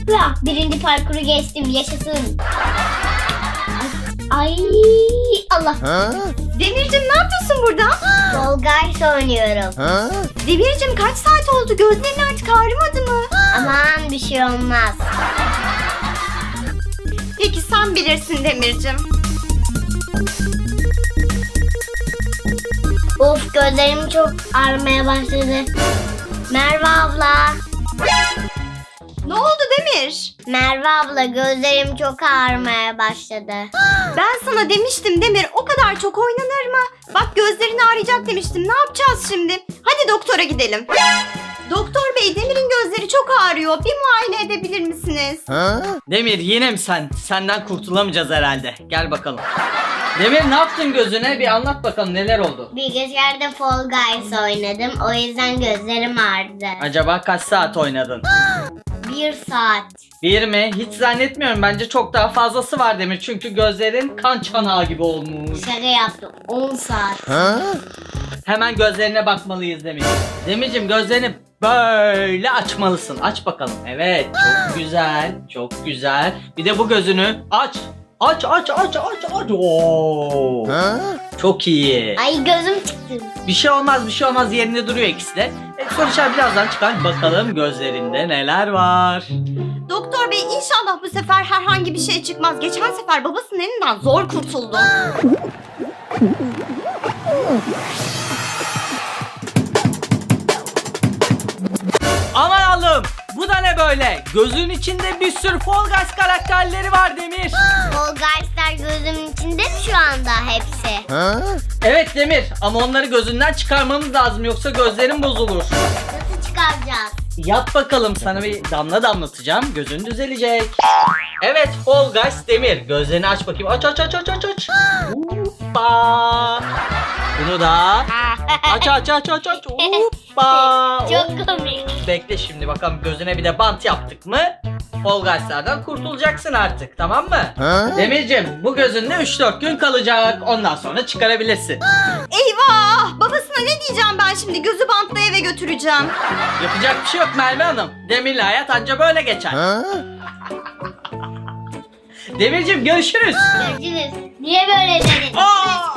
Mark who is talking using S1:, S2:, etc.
S1: Hıa, birinci parkuru geçtim, yaşasın. Ay, Allah.
S2: Demircim ne yapıyorsun burada?
S1: Fall Guys oynuyorum.
S2: Demircim kaç saat oldu? Gözlerin artık ağrımadı mı?
S1: Aman bir şey olmaz.
S2: Peki sen bilirsin Demircim.
S1: Of, gözlerim çok ağrımaya başladı. Merve abla.
S2: Ne oldu Demir?
S1: Merve abla, gözlerim çok ağrımaya başladı.
S2: Ben sana demiştim Demir, o kadar çok oynanır mı? Bak gözlerin ağrıyacak demiştim. Ne yapacağız şimdi? Hadi doktora gidelim. Doktor bey, Demir'in gözleri çok ağrıyor. Bir muayene edebilir misiniz?
S3: Demir yine mi sen? Senden kurtulamayacağız herhalde. Gel bakalım. Demir ne yaptın gözüne? Bir anlat bakalım neler oldu?
S1: Bilgisayarda Fall Guys oynadım. O yüzden gözlerim ağrıdı.
S3: Acaba kaç saat oynadın?
S1: 1 saat.
S3: Bir mi? Hiç zannetmiyorum. Bence çok daha fazlası var Demir. Çünkü gözlerin kan çanağı gibi olmuş.
S1: Şaka yaptım. 10 saat.
S3: Hemen gözlerine bakmalıyız Demir. Demircim gözlerini böyle açmalısın. Aç bakalım. Evet. Çok güzel. Çok güzel. Bir de bu gözünü aç. Aç. Oo. Çok iyi.
S1: Ay, gözüm çıktı.
S3: Bir şey olmaz. Yerinde duruyor ikisi de. Sonuçlar birazdan çıkar. Bakalım gözlerinde neler var.
S2: Doktor bey, inşallah bu sefer herhangi bir şey çıkmaz. Geçen sefer babasının elinden zor kurtuldu.
S3: Aman Allah'ım. Bu da ne böyle? Gözün içinde bir sürü Fall Guys karakterleri var Demir.
S1: Fall Guys'lar gözümün içinde mi şu anda hepsi?
S3: Evet Demir ama onları gözünden çıkarmamız lazım yoksa gözlerin bozulur.
S1: Nasıl çıkaracağız?
S3: Yap bakalım, sana bir damla damlatacağım, gözün düzelecek. Evet Fall Guys Demir, gözlerini aç bakayım. Aç. Hoppa. Bunu da aç. Hoppa.
S1: Çok komik.
S3: Bekle şimdi bakalım, gözüne bir de bant yaptık mı Fall Guys'lardan kurtulacaksın artık, tamam mı? Demircim bu gözünde 3-4 gün kalacak, ondan sonra çıkarabilirsin.
S2: Eyvah! Babasına ne diyeceğim ben şimdi? Gözü bantla eve götüreceğim.
S3: Yapacak bir şey yok Merve Hanım, Demir'le hayat anca böyle geçer. Demircim görüşürüz.
S1: Görüşürüz. Niye böyle dedin?
S3: Aa!